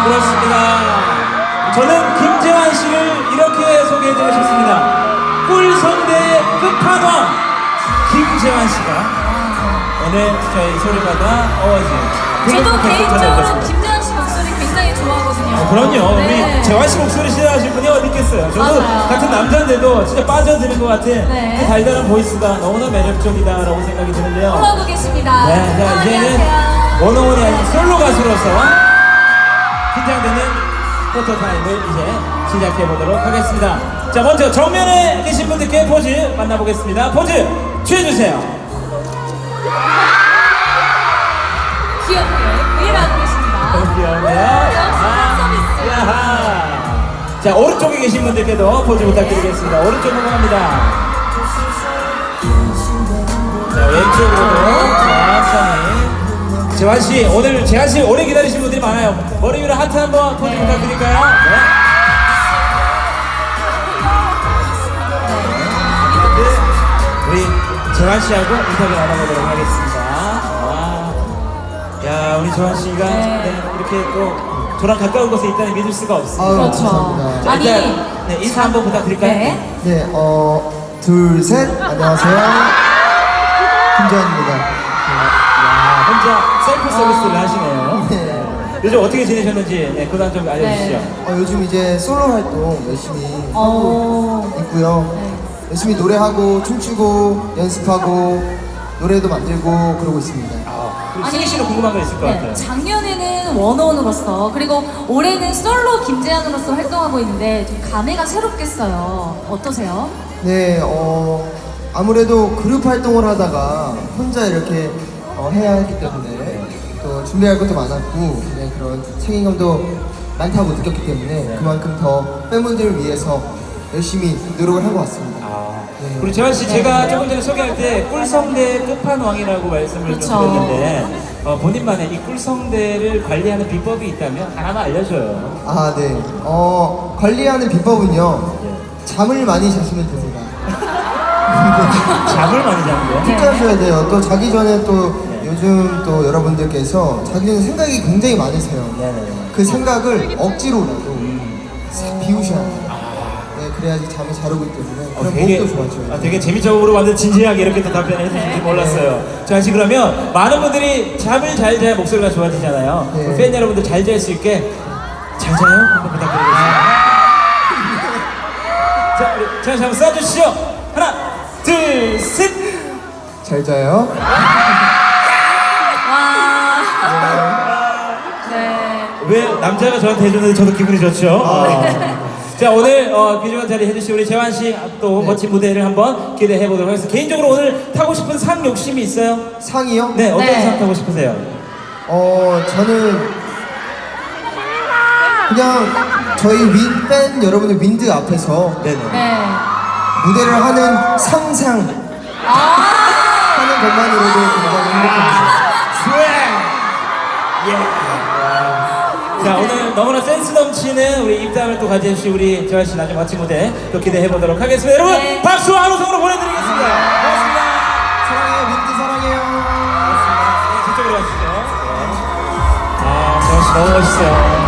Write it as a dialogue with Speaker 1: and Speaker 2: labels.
Speaker 1: 그렇습니다. 저는 김재환 씨를 이렇게 소개해드리고 싶습니다. 꿀성대의 끝판왕 김재환 씨가 오늘 저희 소리바다 어워즈
Speaker 2: 저도 개인적으로 김재환 씨 목소리 굉장히 좋아하거든요.
Speaker 1: 그럼요.
Speaker 2: 네.
Speaker 1: 우리 재환 씨 목소리 싫어하실 분이 어디 있겠어요. 저도
Speaker 2: 맞아요.
Speaker 1: 같은 남자인데도 진짜 빠져드는 것 같은
Speaker 2: 네.
Speaker 1: 그 달달한 보이스가 너무나 매력적이다라고 생각이 드는데요.
Speaker 2: 올라오고 계십니다.
Speaker 1: 네, 자 이제는 원어원이 아닌 솔로 가수로서 긴장되는 포토타임을 이제 시작해보도록 하겠습니다. 자, 먼저 정면에 계신 분들께 포즈 만나보겠습니다. 포즈 취해주세요.
Speaker 2: 귀엽게 브이라고 계십니다.
Speaker 1: 귀여운데요?
Speaker 2: 역시 팬
Speaker 1: 야하. 자, 오른쪽에 계신 분들께도 포즈 부탁드리겠습니다. 오른쪽 넘어갑니다. 자, 왼쪽으로도 천천히. 재환씨, 오늘 재환씨 오래 기다리신 분들이 많아요. 머리 위로 하트 한번 포즈 부탁드릴까요? 네. 우리 재환씨하고 인터뷰 나눠보도록 하겠습니다. 야, 우리 재환씨가 이렇게 또 저랑 가까운 곳에 있다니 믿을 수가 없습니다.
Speaker 2: 그렇죠.
Speaker 3: 감사합니다.
Speaker 1: 자,
Speaker 2: 아니,
Speaker 1: 일단 인사 한번 부탁드릴까요?
Speaker 2: 네.
Speaker 3: 네, 둘, 셋. 안녕하세요. 김재환입니다.
Speaker 1: 야, 혼자 셀프 서비스를 하시네요.
Speaker 3: 네.
Speaker 1: 요즘 어떻게 지내셨는지 그거 좀 알려주시죠.
Speaker 3: 요즘 이제 솔로 활동 열심히
Speaker 2: 어.
Speaker 3: 하고 있고요.
Speaker 2: 네.
Speaker 3: 열심히 노래하고 춤추고 연습하고 노래도 만들고 그러고 있습니다.
Speaker 1: 그리고 승희 씨도 궁금한 거 있을 것 같아요.
Speaker 2: 작년에는 원어원으로서 그리고 올해는 솔로 김재환으로서 활동하고 있는데 좀 감회가 새롭겠어요. 어떠세요?
Speaker 3: 네, 아무래도 그룹 활동을 하다가 혼자 이렇게 해야 했기 때문에 또 준비할 것도 많았고 그냥 그런 책임감도 많다고 느꼈기 때문에 그만큼 더 팬분들을 위해서 열심히 노력을 하고 왔습니다. 네.
Speaker 1: 그리고 재환 씨, 제가 조금 전에 소개할 때 꿀성대 끝판왕이라고 말씀을
Speaker 2: 그렇죠.
Speaker 1: 좀 드렸는데 본인만의 이 꿀성대를 관리하는 비법이 있다면 하나만 알려줘요.
Speaker 3: 아, 네. 관리하는 비법은요. 잠을 많이 자시면 됩니다.
Speaker 1: 잠을 많이 자는
Speaker 3: 푹
Speaker 1: 거.
Speaker 3: 자셔야 돼요. 또 자기 전에 또 요즘 또 여러분들께서 자기 전에 생각이 굉장히 많으세요.
Speaker 1: 네네.
Speaker 3: 그 생각을 억지로라도 싹 비우셔야 돼요. 네, 그래야지 잠이 잘 오기 때문에 그럼 목도 좋아져요.
Speaker 1: 되게 재미적으로 완전 진지하게 이렇게 또 답변을 해주실지 몰랐어요. 재환 씨, 그러면 많은 분들이 잠을 잘 자야 목소리가 좋아지잖아요.
Speaker 3: 네.
Speaker 1: 우리 팬 여러분들 잘 잘 수 있게 잘 자요? 한번 부탁드리겠습니다. 자, 우리 재환 씨 한번 쏴주시죠. 하나, 둘, 셋.
Speaker 3: 잘 자요.
Speaker 2: 와. 네.
Speaker 1: 왜 남자가 저한테 해주는데 저도 기분이 좋죠? 자, 오늘 귀중한 자리 해주신 우리 재환 씨 또 멋진 무대를 한번 기대해 보도록 하겠습니다. 개인적으로 오늘 타고 싶은 상 욕심이 있어요?
Speaker 3: 상이요?
Speaker 1: 네, 어떤
Speaker 2: 네.
Speaker 1: 상 타고 싶으세요?
Speaker 3: 저는 그냥 저희 팬 여러분들 윈드 앞에서
Speaker 1: 네네.
Speaker 2: 네.
Speaker 3: 무대를 하는 상상 하는 것만으로도 굉장히 행복합니다.
Speaker 1: 자, 오늘 너무나 센스 넘치는 우리 입담을 또 가져주신 우리 재환 씨 나중에 멋진 무대 또 기대해 보도록 하겠습니다. 여러분,
Speaker 2: 네.
Speaker 1: 박수와 한우성으로 보내드리겠습니다. 고맙습니다.
Speaker 3: 사랑해요, 윈드 사랑해요.
Speaker 1: 네, 저쪽으로 가시죠. 아, 재환 씨 너무 멋있어요.